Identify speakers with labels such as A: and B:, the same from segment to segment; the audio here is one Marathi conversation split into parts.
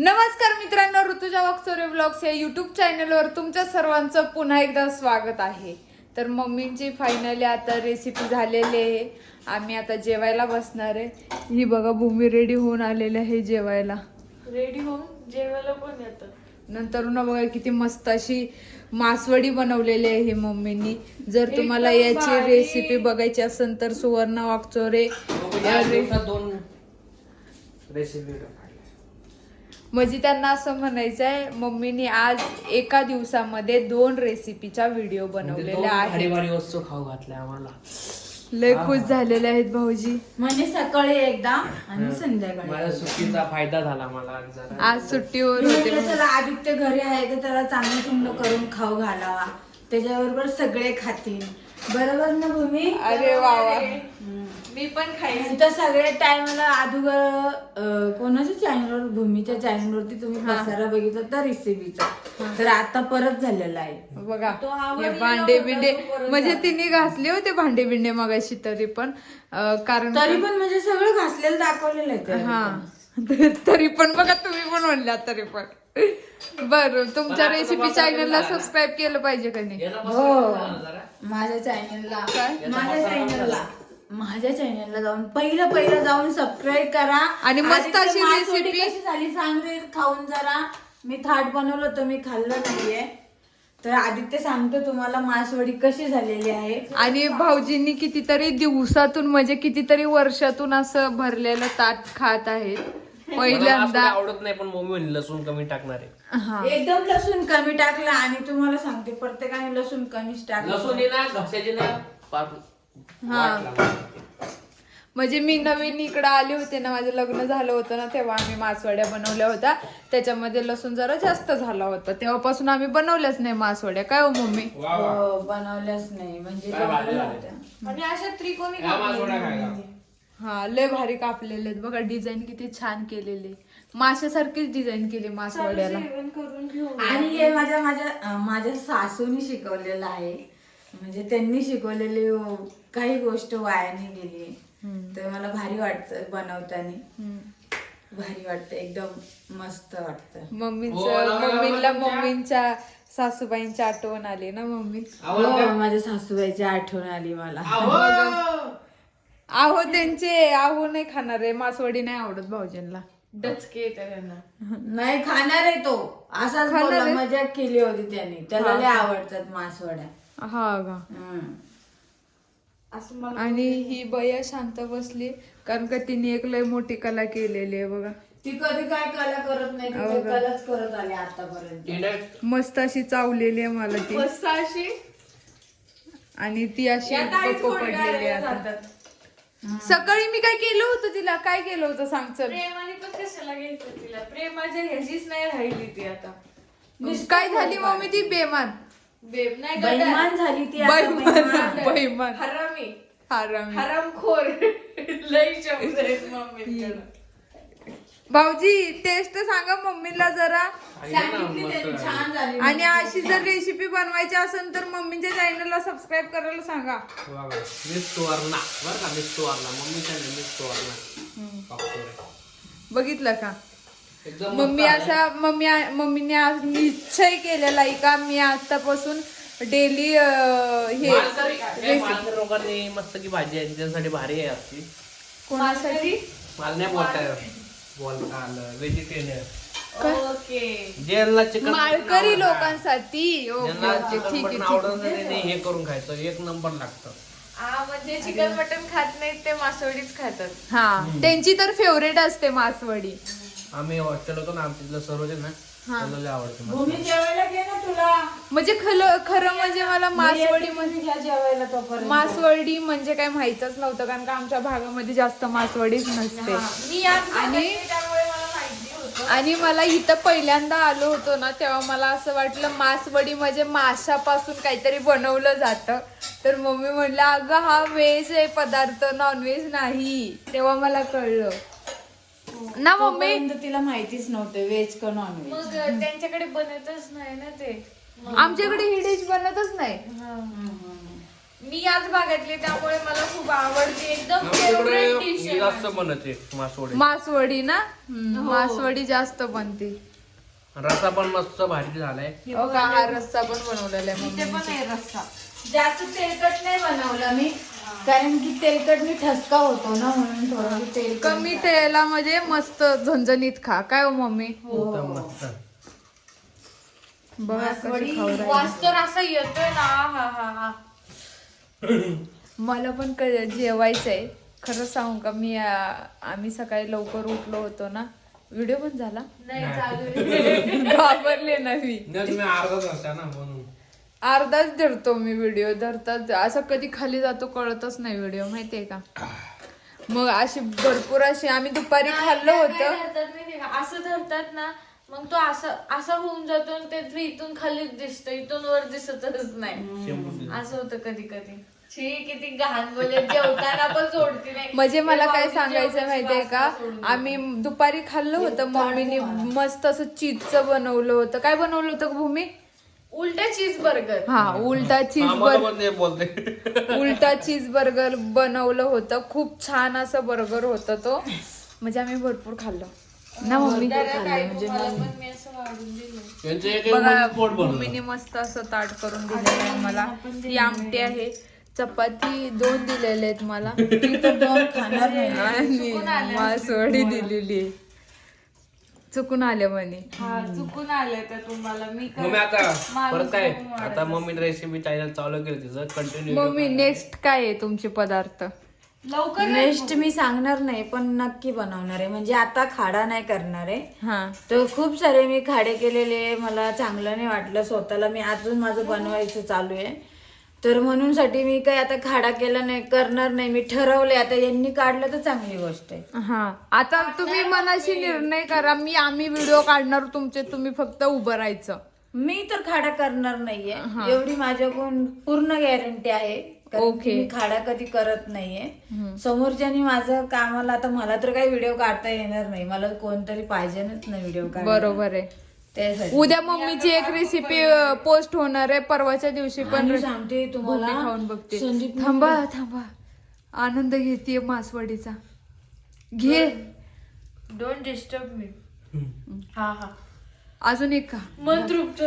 A: नमस्कार मित्रांनो, ऋतुजा वाकचोरे ब्लॉग्स या युट्यूब चॅनलवर तुमच्या सर्वांचं पुन्हा एकदा स्वागत आहे। तर मम्मींची फायनली आता रेसिपी झालेली आहे। आम्ही आता जेवायला बसणार आहे। ही बघा भूमी रेडी होऊन आलेली आहे जेवायला।
B: रेडी होऊन जेवायला पण येतं।
A: नंतर ना बघा किती मस्त अशी मासवडी बनवलेली आहे मम्मींनी। जर तुम्हाला याची रेसिपी बघायची असेल तर सुवर्ण वाकचोरे
C: दोन रेसिपी
A: म्हणजे त्यांना असं म्हणायचं आहे मम्मीनी आज एका दिवसामध्ये 2 रेसिपीचा व्हिडिओ बनवलेला आहे।
C: भारी भारी वस्तू खाऊ घातल्या आम्हाला।
A: लय खुश झालेले आहेत भाऊजी।
B: म्हणजे सकाळी एकदा आणि संध्याकाळी।
C: माझ्या सुट्टीचा फायदा झाला मला जरा।
A: आज सुट्टीवर होते।
B: त्याला आदित्य घरी आहे तर त्याला चांगलं चांगलं करून खाऊ घालावा, त्याच्याबरोबर सगळे खातील, बरोबर ना भूमी?
A: अरे वा वा, मी पण खाईन।
B: तर सगळे टाइमला अगोदर कोणाच्या चॅनलवर, भूमीच्या चॅनलवरती तुम्ही पसारा बघितला तर रेसिपीचा, तर आता परत झालेला आहे
A: बघा। हे भांडे बिंडे म्हणजे तिने घासले होते भांडे बिंडे मगाशी, तरी पण कारण
B: तरी पण म्हणजे सगळं घासलेलं दाखवलेलं आहे।
A: हा तरी पण बघा, तुम्ही पण म्हणल्या तरी पण। बर, तुमच्या रेसिपी चॅनलला सबस्क्राईब केलं पाहिजे का नाही?
B: हो, माझ्या चॅनलला जाऊन पहिलं जाऊन सबस्क्राईब करा
A: आणि मस्त अशी रेसिपी
B: कशी झाली सांगते खाऊन जरा। मी थाट बनवलं होतं, मी खाल्लं नाहीये, तर आदित्य सांगतो तुम्हाला मासवडी कशी झालेली आहे।
A: आणि भाऊजींनी कितीतरी दिवसातून म्हणजे कितीतरी वर्षातून असं भरलेलं ताट खात आहेत पहिल्यांदा।
C: आवडत नाही पण मम्मी म्हणली लसूण कमी टाकणार आहे।
A: हा,
B: एकदम लसूण कमी टाकला, आणि तुम्हाला सांगते प्रत्येकाने लसूण कमीच टाकलं।
C: लसूण ना घशाची ना
A: म्हणजे मी नवीन इकडे आले होते ना, माझं लग्न झालं होतं ना, तेव्हा आम्ही मासवड्या बनवल्या होत्या। त्याच्यामध्ये लसूण जरा जास्त झाला होता, तेव्हापासून आम्ही बनवल्याच नाही मासवड्या। काय हो मम्मी?
B: बनवल्याच नाही म्हणजे
A: आणि अशा त्रिकोणी हा, लय भारी कापलेले आहेत बघा। डिझाईन किती छान केलेली, माशासारखीच डिझाईन केली मासवड्याला।
B: आणि हे माझ्या सासूनी शिकवलेलं आहे, म्हणजे त्यांनी शिकवलेली काही गोष्ट वाया नाही गेली, तर मला भारी वाटतं बनवताना। भारी वाटतं, एकदम मस्त वाटतं।
A: मम्मीच्या सासूबाईंची आठवण आली ना मम्मी?
B: माझ्या सासूबाईची आठवण आली मला।
A: आहो त्यांचे आहो नाही खाणार आहे, मासवडी नाही आवडत भाऊजींना।
B: डचके नाही खाणार आहे तो, असाच बोलला, मजा केली होती त्यांनी, त्याला लय आवडतात मासवड्या।
A: हा का? आणि ही बया शांत बसली कारण का तिने एक लय मोठी कला केलेली आहे बघा।
B: ती कधी काय कला करत नाही, ती कलाच करत आली आतापर्यंत।
A: मस्त अशी चावलेली आहे मला ती,
B: मस्त अशी,
A: आणि ती अशी पडलेली आता। सकाळी मी काय केलं होतं तिला? काय केलं होतं सांग चल।
B: प्रेमाने पण कशाला घ्यायचं तिला, प्रेमाच्या ह्याचीच नाही राहिली ती आता।
A: काय झाली मम्मी? ती बेमान
B: बेईमान झाली ती,
A: बेईमान
B: हरामी
A: हरामी
B: हरामखोर लय शब्द आहेत मम्मीकडे।
A: भाऊजी टेस्ट सांगा मम्मीला जरा,
B: सांगितली त्यांनी, छान झाली।
A: आणि अशी जर रेसिपी बनवायची असेल तर मम्मीच्या चॅनलला सबस्क्राईब करायला सांगा। बघितलं का? मम्मीने आज निश्चय केलेला आहे का मी आतापासून डेली हे
C: लोकांनी मस्त की भाजी आहे त्यांच्यासाठी भारी आहे असती।
A: कोणासाठी?
C: मला नाही बोलता आलं व्हेजिटेरियन।
B: ओके,
C: ज्यांना चिकन
A: माळकरी लोकांसाठी।
C: ठीक आहे, हे करून खायचं एक नंबर लागतं।
B: म्हणजे चिकन मटन खात नाहीत ते मासवडीच खातात।
A: हा, त्यांची तर फेवरेट असते मासवडी।
C: आम्ही हॉस्टेल होतो ना, आमच्या सर होते ना, त्याला आवडते
B: भूमी जेवायला घे ना तुला।
A: म्हणजे खरं म्हणजे मला मासवडी म्हणजे
B: जेवायला तोपर्यंत
A: मासवडी म्हणजे काय माहितच नव्हतं, कारण का आमच्या भागामध्ये जास्त मासवडीच नसते। आणि मला इथं पहिल्यांदा आलो होतो ना, तेव्हा मला असं वाटलं मासवडी म्हणजे माशापासून काहीतरी बनवलं जातं। तर मम्मी म्हणलं अगं हा व्हेज आहे पदार्थ, नॉनव्हेज नाही। तेव्हा मला कळलं ना मम्मी,
B: तिला माहितीच नव्हतं व्हेज का नॉनव्हेज।
D: मग त्यांच्याकडे बनतच नाही ना ते,
A: आमच्याकडे ही डिश बनतच नाही। मी याच भागातली त्यामुळे मला खूप आवडते. एकदम
C: आमच्याकडे
A: फेवरेट डिश
C: हे जास्त बनते मासवडी.
A: मासवडी ना. मासवडी जास्त बनते.
C: रस्सा पण मस्त भारी झालाय.
A: हो का, हा रस्सा पण बनवलेला आहे
B: इथे
A: मम्मीने.
B: पण आहे रस्सा. जास्त तेलकट नाही बनवला मी, कारण की तेलकट मी ठसका होतो ना, म्हणून थोडं तेल
A: कमी तेलामध्ये मस्त झणझणीत खा. काय हो मम्मी?
C: एकदम मस्त.
A: बघा कशी खाऊ राहिली.
B: वास तर असा येतोय ना. हा हा हा.
A: मला पण जेवायचंय. खरं सांगू का, आम्ही सकाळी लवकर उठलो होतो ना. व्हिडिओ पण झाला
B: नाही चालू.
A: घाबरले ना मी.
C: नाही, तुम्ही अर्धाच असता ना म्हणून.
A: अर्धाच धरतो मी व्हिडिओ. धरतात असं कधी खाली जातो कळतच नाही व्हिडिओ, माहितीये का. मग अशी भरपूर अशी आम्ही दुपारी खाल्लं होतं.
B: असं धरतात ना, मग तो असं होऊन जातो आणि ते इथून खाली दिसतं, इथून वर दिसतच नाही. असं होतं कधी कधी. छी, किती घाण बोले. जेवताना पण सोडती नाही.
A: म्हणजे मला काय सांगायचं माहितीये का, आम्ही दुपारी खाल्लं होतं. मम्मीने मस्त असं चीजचं बनवलं होतं. काय बनवलं होतं भूमी?
B: उलटा चीज बर्गर.
A: हा, उलटा चीज
C: आम्हाला पण ते बोलते.
A: उलटा चीज बर्गर बनवलं होतं. खूप छान असं बर्गर होतं तो. म्हणजे आम्ही भरपूर खाल्लं ना मम्मी.
C: यांचं एक
A: बघा,
C: पोट बनवलं.
A: मम्मीने मस्त असं ताट करून दिलेलं आहे मला. ही आमटी आहे, चपाती 2 दिलेले आहेत मला,
B: मी तर दोन खाणार नाही.
A: आणि मासवडी दिलेली आहे. चुकून आले म्हणे.
B: हा, चुकून आले तर तुम्हाला. मी
C: मम्मी आता परत काय, आता मम्मी रेसिपी चॅनल चालू केलं तिचं कंटिन्यू.
A: मम्मी नेक्स्ट काय आहे तुमचे पदार्थ?
B: लवकर नेक्स्ट मी सांगणार नाही, पण नक्की बनवणार आहे. म्हणजे आता खाडा नाही करणार आहे.
A: हा,
B: तर खूप सारे मी खाडे केलेले, मला चांगलं नाही वाटलं स्वतःला. मी अजून माझं बनवायचं चालू आहे, तर म्हणून साठी मी काय आता खाडा केला नाही, करणार नाही. मी ठरवलंय आता. यांनी काढलं तर चांगली गोष्ट आहे.
A: हा. आता तुम्ही मनाशी निर्णय करा. आम्ही व्हिडिओ काढणार तुमचे, तुम्ही फक्त उभं राहायचं.
B: मी तर खाडा करणार नाहीये, एवढी माझ्याकडून पूर्ण गॅरंटी आहे. कारण की मी खाडा कधी करत नाहीये. समोरच्यानी माझं कामाला, आता मला तर काही व्हिडिओ काढता येणार नाही. मला कोणतरी पाहिजेच ना व्हिडिओ काढ.
A: बरोबर आहे.
B: त्यासाठी
A: उद्या मम्मीची एक रेसिपी पोस्ट होणार आहे. परवाच्या दिवशी पण
B: आणि सांगते तुम्हाला,
A: भूमी खाऊन बघते.
B: संदीप
A: थांबा आनंद घेतीये मासवडीचा. घे.
B: डोंट डिस्टर्ब मी. हा हा.
A: अजून एक का?
B: मन तृप्त.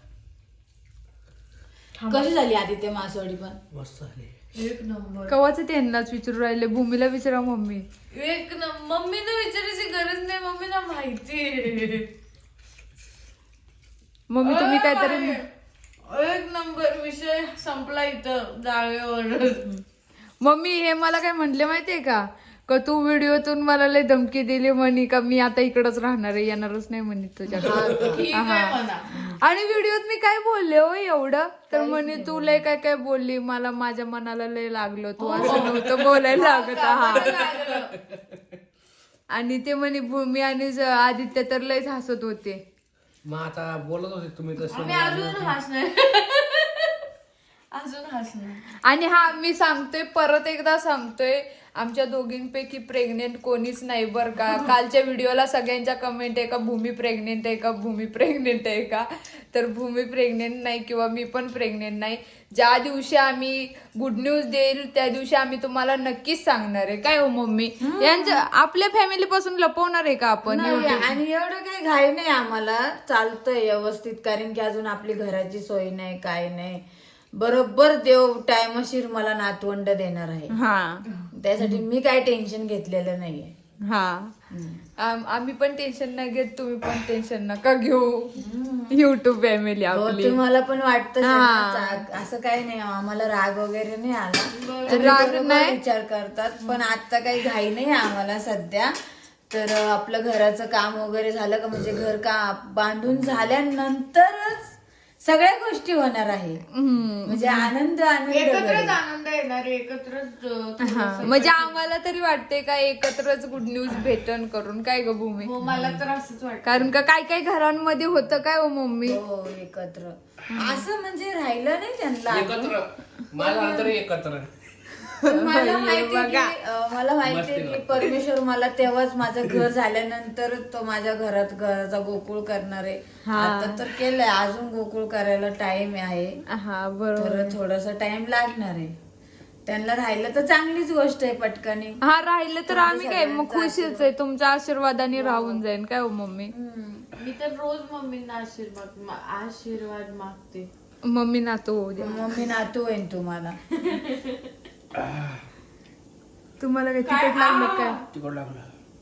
B: कशी झाली आदित्य मासवडी? पण
C: मस्त झाली.
B: एक नंबर.
A: कवाच त्यांनाच विचारू राहिले. भूमीला विचारा मम्मी.
B: एक नंबर. मम्मीला विचारायची गरज नाही, मम्मीला माहिती.
A: मम्मी तुम्ही काहीतरी
B: एक नंबर. विषय संपला इथं जाळेवर.
A: मम्मी हे मला काय म्हटले माहितीये का तू व्हिडिओतून मला लय धमकी दिली म्हणे का मी आता इकडच राहणार आहे, येणारच नाही म्हणे तुझ्याकडे.
B: ठीक आहे म्हणा.
A: आणि व्हिडिओत मी काय बोलले हो एवढं? तर म्हणे तू लय काय काय बोलली, मला माझ्या मनाला लय लागलं, तू असं नव्हतं बोलायला लागत. हा. आणि ते म्हणे भूमी आणि आदित्य तर लयच हसत होते.
C: मग आता बोलत होते तुम्ही तसं.
B: आम्ही अजून हसणार. अजून हसणार.
A: आणि हा मी सांगतोय, परत एकदा सांगतोय, आमच्या दोघींपैकी प्रेग्नेंट कोणीच नाही बर का. कालच्या व्हिडिओला सगळ्यांच्या कमेंट आहे का भूमी प्रेग्नेंट आहे का, भूमी प्रेग्नेंट आहे का. तर भूमी प्रेग्नेंट नाही किंवा मी पण प्रेग्नेंट नाही. ज्या दिवशी आम्ही गुड न्यूज देईल त्या दिवशी आम्ही तुम्हाला नक्कीच सांगणार आहे. काय हो मम्मी? यांच्या आपल्या फॅमिली पासून लपवणार आहे का आपण?
B: आणि एवढं काही घाई नाही आम्हाला, चालतंय व्यवस्थित. कारण की अजून आपली घराची सोय नाही, काय नाही. बरोबर देव टायमशीर मला नातवंड देणार आहे.
A: हा,
B: त्यासाठी मी काय टेन्शन घेतलेलं नाहीये.
A: हा, आम्ही पण टेन्शन नाही घेत, तुम्ही पण टेन्शन नका घेऊ. युट्यूब फॅमिली आपली.
B: तुम्हाला पण वाटतं असं काही नाही, आम्हाला राग वगैरे नाही आला.
A: राग नाही,
B: विचार करतात. पण आता काही घाई नाही आम्हाला सध्या. तर आपलं घराचं काम वगैरे झालं का, म्हणजे घर का बांधून झाल्यानंतरच सगळ्या गोष्टी होणार आहे. म्हणजे आनंद एकत्रच आनंद येणार, एकत्रच.
A: म्हणजे आम्हाला तरी वाटते का एकत्रच गुड न्यूज भेटन करून. काय ग भूमी?
B: मला तर असंच वाटतं.
A: कारण का काय काय घरांमध्ये होतं काय हो मम्मी?
B: हो, एकत्र असं म्हणजे राहिलं नाही त्यांना.
C: एकत्र माझा अंतर एकत्र.
B: पण मला माहिती की परमेश्वर मला तेव्हाच माझं घर झाल्यानंतर तो माझ्या घराचा गोकुळ करणार आहे. आता तर केलंय, अजून गोकुळ करायला टाइम आहे.
A: हा बरोबर.
B: तर थोडासा टाइम लागणार आहे. त्यांना राहिलं तर चांगलीच गोष्ट आहे पटकनी.
A: हा राहिलं तर आम्ही काय मग खुशीच आहे, तुमच्या आशीर्वादाने राहून जाईन काय हो मम्मी.
D: मी तर रोज मम्मींना आशीर्वाद मागते.
A: मम्मी नातू होऊ दे.
B: मम्मी नातू होईन तुम्हाला.
A: तुम्हाला काय तिकट लागलं काय?
C: तिकड लागलं.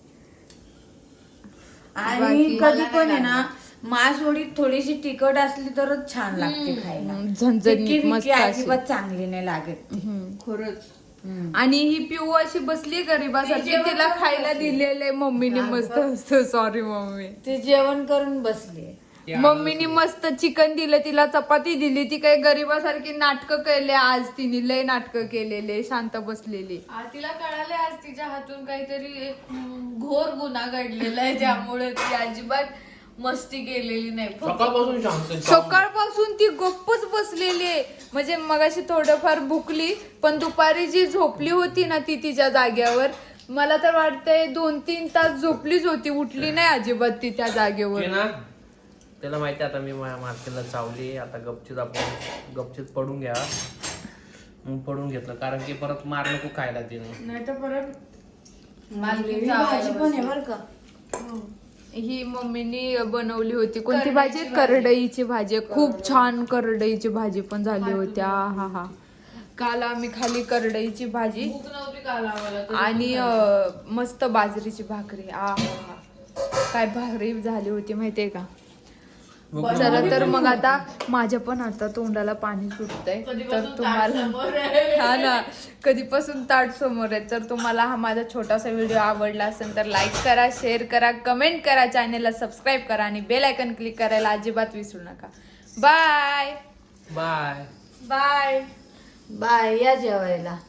B: आणि कधी पण आहे ना मासवडी थोडीशी तिखट असली तरच छान लागते खायला.
A: झणझणीत
B: फिक्की
A: मस्त
B: फिक्की
A: अशी.
B: अजिबात चांगली नाही लागत ती.
D: खरंच.
A: आणि ही पिऊ अशी बसली गरीबासारखी, तिला खायला दिलेले मम्मीने मस्त. Sorry mummy.
B: ती जेवण करून बसली.
A: मम्मीने मस्त चिकन दिलं, तिला चपाती दिली. ती काही गरीबासारखी नाटकं केले आज तिने, लय नाटकं केलेले, शांत बसलेली.
D: तिला कळाले आज तिच्या हातून काहीतरी एक घोर गुन्हा घडलेला आहे, त्यामुळे ती अजिबात मस्ती केलेली नाही.
C: सकाळपासून शांत.
A: सकाळपासून ती गप्पच बसलेली आहे. म्हणजे मगाशी थोडंफार भुकली, पण दुपारी जी झोपली होती ना ती तिच्या जाग्यावर, मला तर वाटतंय 2-3 तास झोपलीच होती, उठली नाही अजिबात ती त्या जागेवर.
C: ना त्याला माहिती आता मी मार्केटला चावली, आता गपचीत पडून घ्या. मग पडून घेतलं, कारण की परत मार नको खायला तिने.
B: नाही तर परत
D: भाजी
B: भाजी पण आहे बरं का.
A: ही मम्मीनी बनवली होती. कोणती भाजी? करडईची भाजी. खूप छान करडईची भाजी पण झाली होती. हा हा. काल आम्ही खाली करडईची भाजी
D: भूक नव्हती काल आम्हाला तर.
A: आणि मस्त बाजरीची भाकरी. आ काय भाकरी झाली होती माहितीये का. चला तर मग आता माझ्या पण आता तोंडाला पाणी सुटतंय. तर तुम्हाला हा ना कधीपासून ताट समोर आहे. तर तुम्हाला हा माझा छोटासा व्हिडिओ आवडला असेल तर लाईक करा, शेअर करा, कमेंट करा, चॅनेलला सबस्क्राईब करा आणि बेल आयकन क्लिक करायला अजिबात विसरू नका. Bye
C: bye
A: bye
B: bye. या जेवायला.